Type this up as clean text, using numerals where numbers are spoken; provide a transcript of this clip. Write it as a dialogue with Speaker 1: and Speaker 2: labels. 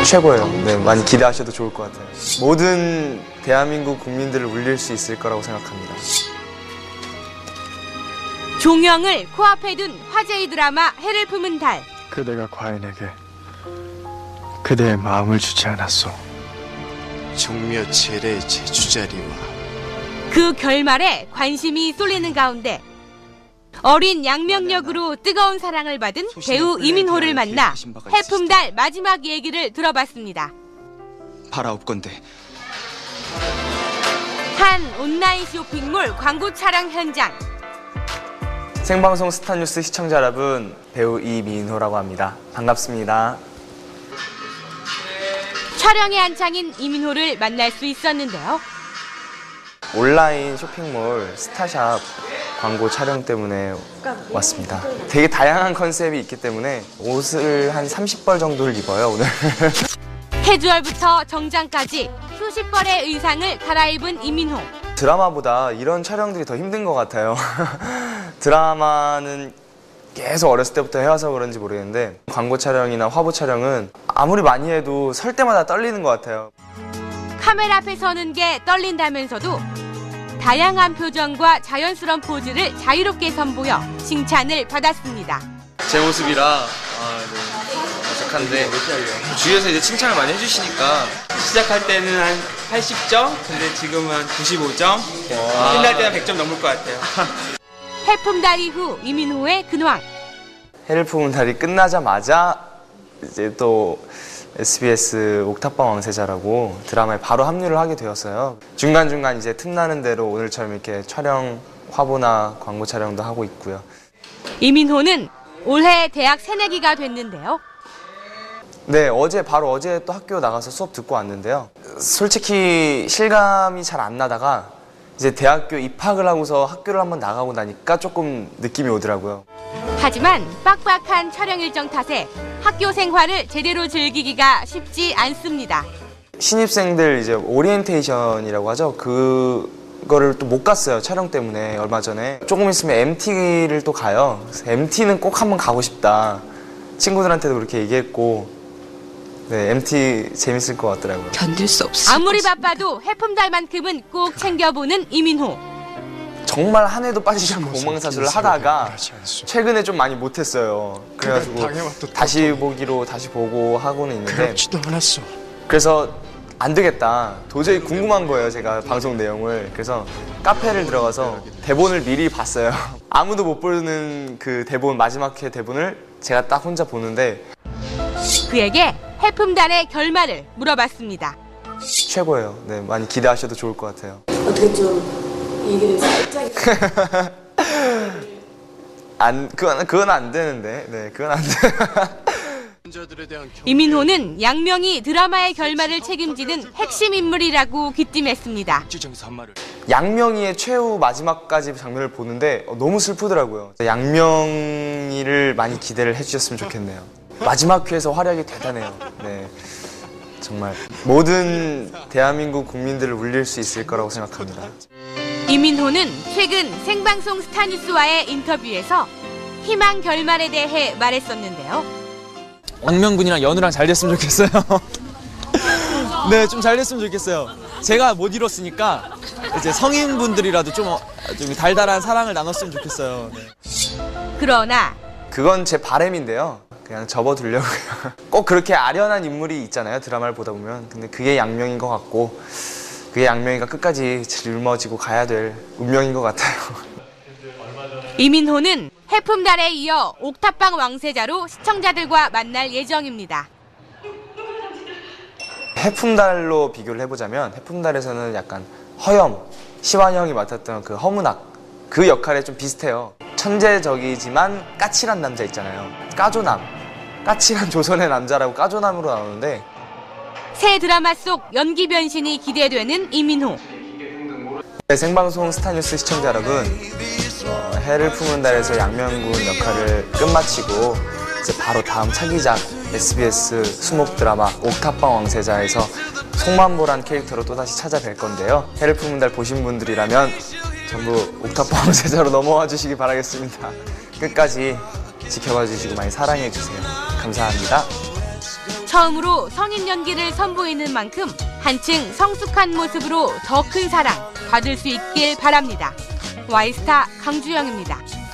Speaker 1: 최고예요. 네, 많이 기대하셔도 좋을 것 같아요. 모든 대한민국 국민들을 울릴 수 있을 거라고 생각합니다.
Speaker 2: 종영을 코앞에 둔 화제의 드라마 해를 품은 달.
Speaker 3: 그대가 과인에게 그대의 마음을 주지 않았소.
Speaker 4: 종묘체례 제주자리와
Speaker 2: 그 결말에 관심이 쏠리는 가운데 어린 양명역으로 뜨거운 사랑을 받은 배우 이민호를 만나 해품달 마지막 얘기를 들어봤습니다.
Speaker 4: 바라옵건대
Speaker 2: 한 온라인 쇼핑몰 광고 촬영 현장.
Speaker 1: 생방송 스타뉴스 시청자 여러분, 배우 이민호라고 합니다. 반갑습니다.
Speaker 2: 촬영에 한창인 이민호를 만날 수 있었는데요.
Speaker 1: 온라인 쇼핑몰 스타샵 광고 촬영 때문에 왔습니다. 되게 다양한 컨셉이 있기 때문에 옷을 한 30벌 정도를 입어요, 오늘.
Speaker 2: 캐주얼부터 정장까지 수십 벌의 의상을 갈아입은 이민호.
Speaker 1: 드라마보다 이런 촬영들이 더 힘든 것 같아요. 드라마는 계속 어렸을 때부터 해와서 그런지 모르겠는데 광고 촬영이나 화보 촬영은 아무리 많이 해도 설 때마다 떨리는 것 같아요.
Speaker 2: 카메라 앞에 서는 게 떨린다면서도 다양한 표정과 자연스러운 포즈를 자유롭게 선보여 칭찬을 받았습니다.
Speaker 5: 제 모습이라 어색한데 주위에서 이제 칭찬을 많이 해주시니까 시작할 때는 한 80점, 근데 지금은 한 95점, 끝날 때는 100점 넘을 것 같아요.
Speaker 2: 해품달 이후 이민호의 근황.
Speaker 1: 해를 품은 달이 끝나자마자 이제 또 SBS 옥탑방 왕세자라고 드라마에 바로 합류를 하게 되었어요. 중간중간 이제 틈나는 대로 오늘처럼 이렇게 촬영, 화보나 광고 촬영도 하고 있고요.
Speaker 2: 이민호는 올해 대학 새내기가 됐는데요.
Speaker 1: 네, 바로 어제 또 학교 나가서 수업 듣고 왔는데요. 솔직히 실감이 잘 안 나다가 이제 대학교 입학을 하고서 학교를 한번 나가고 나니까 조금 느낌이 오더라고요.
Speaker 2: 하지만 빡빡한 촬영 일정 탓에 학교 생활을 제대로 즐기기가 쉽지 않습니다.
Speaker 1: 신입생들 이제 오리엔테이션이라고 하죠. 그거를 또 못 갔어요. 촬영 때문에 얼마 전에. 조금 있으면 MT를 또 가요. 그래서 MT는 꼭 한번 가고 싶다. 친구들한테도 그렇게 얘기했고, 네, MT 재밌을 것 같더라고요.
Speaker 6: 견딜 수 없어.
Speaker 2: 아무리 바빠도 해품달만큼은 꼭 챙겨보는 이민호.
Speaker 1: 정말 한 해도 빠지지 않고 본방사수를 하다가 최근에 좀 많이 못했어요. 그래가지고 다시 보기로 다시 보고 하고는 있는데
Speaker 3: 그렇지도 않았소.
Speaker 1: 그래서 안 되겠다. 도저히 궁금한 거예요, 제가 방송 내용을. 그래서 카페를 들어가서 대본을 미리 봤어요. 아무도 못 보는 그 대본, 마지막 회 대본을 제가 딱 혼자 보는데
Speaker 2: 그에게 해품달의 결말을 물어봤습니다.
Speaker 1: 최고예요. 네, 많이 기대하셔도 좋을 것 같아요.
Speaker 6: 어떻게 좀 얘기를 살짝.
Speaker 1: 그건 안 되는데. 네, 그건 안 돼.
Speaker 2: 이민호는 양명이 드라마의 결말을 책임지는 핵심 인물이라고 귀띔했습니다.
Speaker 1: 양명이의 최후 마지막까지 장면을 보는데 너무 슬프더라고요. 양명이를 많이 기대를 해주셨으면 좋겠네요. 마지막 회에서 활약이 대단해요. 네, 정말 모든 대한민국 국민들을 울릴 수 있을 거라고 생각합니다.
Speaker 2: 이민호는 최근 생방송 스타뉴스와의 인터뷰에서 희망 결말에 대해 말했었는데요.
Speaker 7: 양명군이랑 연우랑 잘 됐으면 좋겠어요. 네, 좀 잘 됐으면 좋겠어요. 제가 못 이뤘으니까 이제 성인분들이라도 좀 달달한 사랑을 나눴으면 좋겠어요. 네.
Speaker 2: 그러나
Speaker 1: 그건 제 바람인데요. 그냥 접어두려고요. 꼭 그렇게 아련한 인물이 있잖아요, 드라마를 보다 보면. 근데 그게 양명인 것 같고 그게 양명이가 끝까지 짊어지고 가야 될 운명인 것 같아요.
Speaker 2: 이민호는 해품달에 이어 옥탑방 왕세자로 시청자들과 만날 예정입니다.
Speaker 1: 해품달로 비교를 해보자면 해품달에서는 약간 허염, 시완형이 맡았던 그 허문학 그 역할에 좀 비슷해요. 천재적이지만 까칠한 남자 있잖아요. 까조남, 까칠한 조선의 남자라고 까조남으로 나오는데
Speaker 2: 새 드라마 속 연기 변신이 기대되는 이민호.
Speaker 1: 네, 생방송 스타뉴스 시청자 여러분, 해를 품은 달에서 양명군 역할을 끝마치고 이제 바로 다음 차기작 SBS 수목 드라마 옥탑방 왕세자에서 송만보란 캐릭터로 또다시 찾아뵐 건데요. 해를 품은 달 보신 분들이라면 전부 옥탑방 왕세자로 넘어와 주시기 바라겠습니다. 끝까지 지켜봐 주시고 많이 사랑해 주세요. 감사합니다.
Speaker 2: 처음으로 성인 연기를 선보이는 만큼 한층 성숙한 모습으로 더 큰 사랑 받을 수 있길 바랍니다. 와이스타 강주영입니다.